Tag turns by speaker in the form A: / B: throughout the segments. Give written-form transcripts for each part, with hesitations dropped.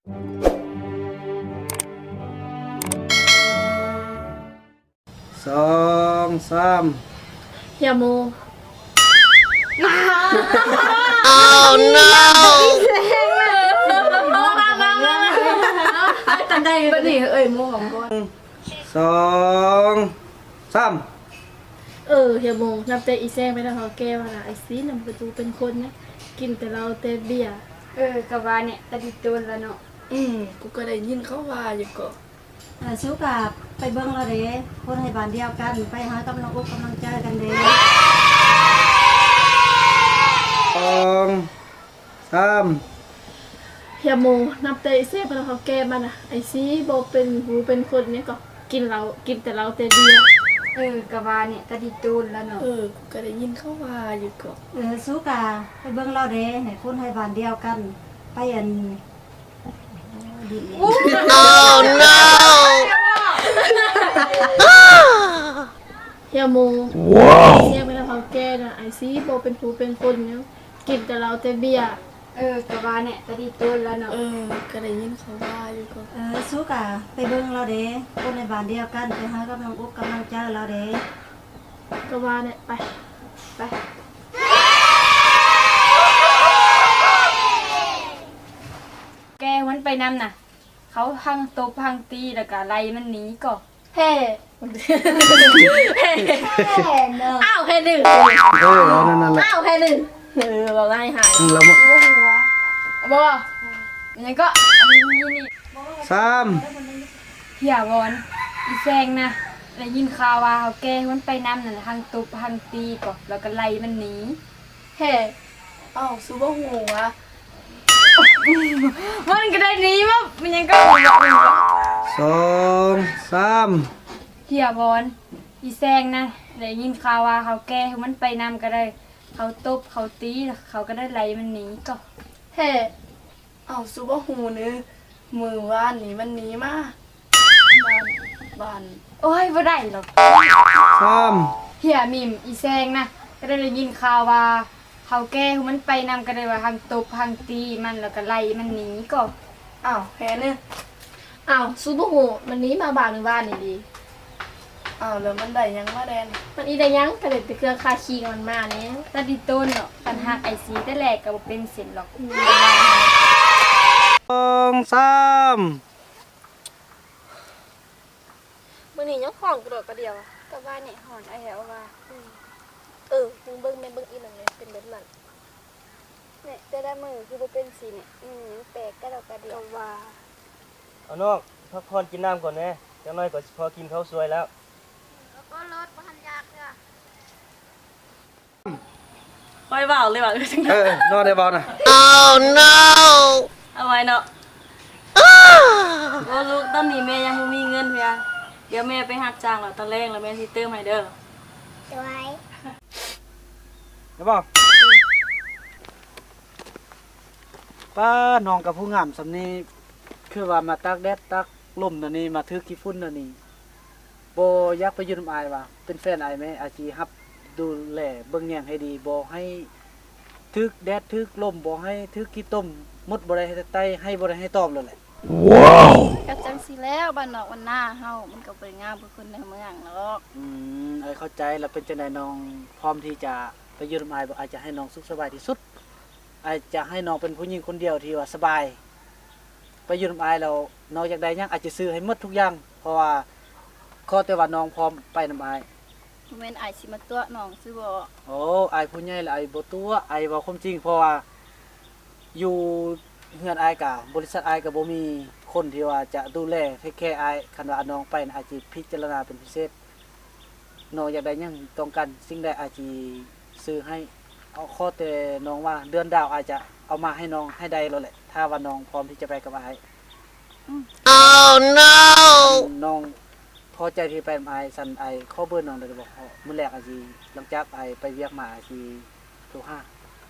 A: สองสาม
B: เฮียโมตันได้บัดนี้โมของก่อน
A: สองสาม
B: เฮียโมนับแต่อีแซงไปแล้วเขาแก้ว่าไอซีนำประตูเป็นคนนะกินแต่เราแต่เบียร์
C: กะว่าเนี่ยตะดิโดนแล้วเนาะ
B: กูก็ได้ยินเขาว่าอยู่ก็
D: สู้กับไปเบิ้งเราเด้คนให้บ้านเดียวกันไปหากำลังอกกำลังใจกันเด้
A: สองสาม
B: เฮียโมนับแต่อีแซงไปแล้วเขาแก้มานะไอซีบ่เป็นหูเป็นคนเนี่ยก็กินแต่เราแต่เบียร์
C: กะว่าเนี่ยตะดิโดนแล้วเนาะ
B: กูก็ได้ยินเขาว่าอยู่ก็
D: สู้กับไปเบิ้งเราเด้ให้คนให้บ้านเดียวกันไปอัน
A: Oh no
B: เฮียโมว้าวเฮียไปแล้วเขาแก้นะไอซีบ่เป็นหูเป็นคนเนี่ยกินแต่เราแต่เบียร์
C: กะว่าเนี่ยตะดิโดนแล้วเนาะ
B: ก็ได้ยินเขาว่าอยู่ก็
D: สู้กับไปเบิ้งเราเด้คนในบ้านเดียวกันไปหากำลังอกกำลังใจเราเด้
B: ก็ว่าเนี่ยไป
C: แกมันไปนำน่ะเขาพังตบพังตีแล้วก็ไล่มันหนีก็
B: เฮ้อ้าวแค่หนึ่ง
A: นั่นแหละ
B: อ้าวแค่หนึ่งเราไล่หาย
A: เรา
C: บ่ยังก็นี่
A: สาม
C: เฮียวอนอีแซงนะได้ยินข่าวว่าเขาแกมันไปนำน่ะพังตบพังตีก็แล้วก็ไล่มันหนี
B: เฮ้อ้าวซูเปอร์หัว
C: มันก็ได้หนีว่ามันยังก็
A: สองสาม
C: เฮียบอลอีแซงนะได้ยินข่าวว่าเขาแก้มันไปนำก็ได้เขาตบเขาตีเขาก็ได้ไล่มันหนีก็
B: เฮ้อ้าวซูเปอร์หูนึงมือว่านนี่มันหนีมาบ้าน
C: โอ้ยบ่ได้หรอก
A: สาม
C: เฮียมิมอีแซงนะก็ได้ยินข่าวว่าเขาแก้มันไปนำก็ได้ว่าทางตบทางตีมันแล้วก็ไล่มันหนีก็
B: อ้าวแพ้เนี่ยอ้าวซูเปอร์หูมันหนีมาบ้านหรือบ้านนี่ดีอ้าวแล้วมันได้ยังมาแดนมันอีได้ยังกระเด็ดเครื่องคาคีมันมาเนี่ย
C: ตาดิต้นเนาะปัญหาไอซีแต่แรกก็บ่เป็นเส้นหรอก
A: สองสาม
B: มื้อนี้ยังของกระโดดกระเดียว
C: ก็ว่าเนี่ยหอนไอ้แหวว่า
B: มึงเบิ่งแม่เบิ่งอีหลังเลยเป็นแบบนั้น
C: เนี่ยแต่ละมือคือบ่เป็นสีเนี่ยแปลกกระโดดกระเดียวว่า
E: เอาน้องพักผ่อนกินน้ำก่อนแน่จังน้อยก็พอกินข้าวสวยแล้ว
C: ก็รถบ่ทันยากเด้อ
B: ค่อยเว้าเลยว่
A: นอนได้บ่น่ะ
B: Oh no เอาไว้เนาะบ่ลูกตอนนี้แม่ยังบ่มีเงินเพียเดี๋ยวแม่ไปหักจ้างแล้วตอนแรกแล้วแม่สิเติมให้เด้อ
D: ไว้
A: ได้บ่ป้าน้องกับผู้งามสำนี้คือว่ามาตากแดดตากลมนั่นนี่มาถือขี้ฝุ่นนั่นนี่บ่อยากไปอยู่นำอายว่าเป็นแฟนอายมั้ยอาจีรับดูแลเบิ่งแยงให้ดีบ่ให้ถึกแดดถึกลมบ่ให้ถึกขี้ต้มมดบ่ได้ให้ไตให้บ่ได้ให้ตอมเลยแหละ
B: ว้าวก็จังสิแล้วบ้านนอกวันหน้าเฮามันก็บ่งามคือคนในเมืองหรอก
A: เข้าใจแล้วเป็นจังได๋น้องพร้อมที่จะไปอยู่นำอายบ่อาจจะให้น้องสุขสบายที่สุดอาจจะให้น้องเป็นผู้หญิงคนเดียวที่ว่าสบายไปอยู่นำอายแล้วน้องอยากได้หยังอาจจะซื้อให้หมดทุกอย่างเพราะว่าขอแต่ว่าน้องพร้อมไปนำอาย
B: แม่นอายสิมาตัวน้องซื่อบ่
A: โอ้อายผู้ใหญ่แล้วอายบ่ตัวอายเว้าความจริงเพราะว่าอยู่เฮือนอายก็บริษัทอายก็บ่มีคนที่ว่าจะดูแลเทคแคร์อายคันว่าน้องไปอาจสิพิจารณาเป็นพิเศษน้องอยากได้หยังต้องการสิ่งใดอาจสิซื้อให้เอาข้อแต่น้องว่าเดือนดาวอาจจะเอามาให้น้องให้ได้แล้วแหละถ้าว่าน้องพร้อมที่จะไปกับอายOh no น้องพอใจที่ไปกับอายสั่นอายขอเบอร์น้องได้บ่มื้อแรกอาจสิหลังจากอายไปเวียกมาอาจสิโทรหา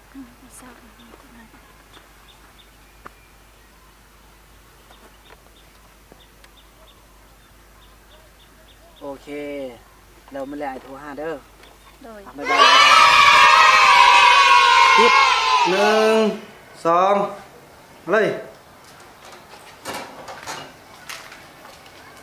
A: โอเคแล้วมื้อแรกอายโทรหาเด้อ
B: โดย
A: บ๊ายบายปิด1 2เลย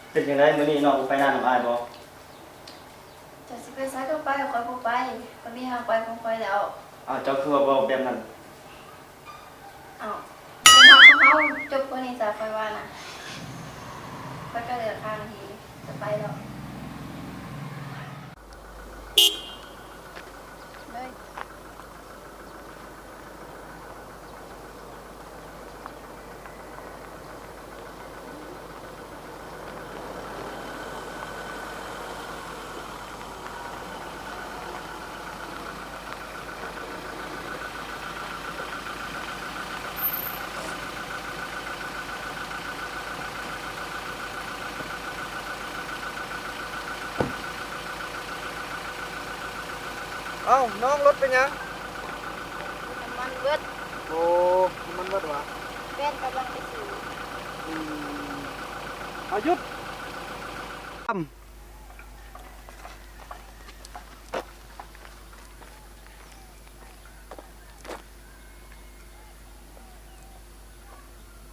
E: เป็นจังไดมื้อนี้น้องไปนานกับอ้ายบ่
B: จะสิไปไสก็ไปคอยบ่ไปคนนี้หาไปคงไปแล้ว
E: อ้าวเจ้าคือว่าบ่แบบนั้น
B: อ้าวเป็นทางของเขาจบคนนี้จะไปว่าน่ะไปก็เหลือข้างทีจะไปแล้วเลย
A: เอ้าน้องรถเป็นหยัง
B: น้ำมันเบิด
A: โอ้มันเบิดวะ
B: แฟนกำลังไปสู่
A: เอาหยุด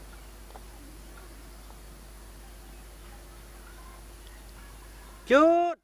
A: หยุด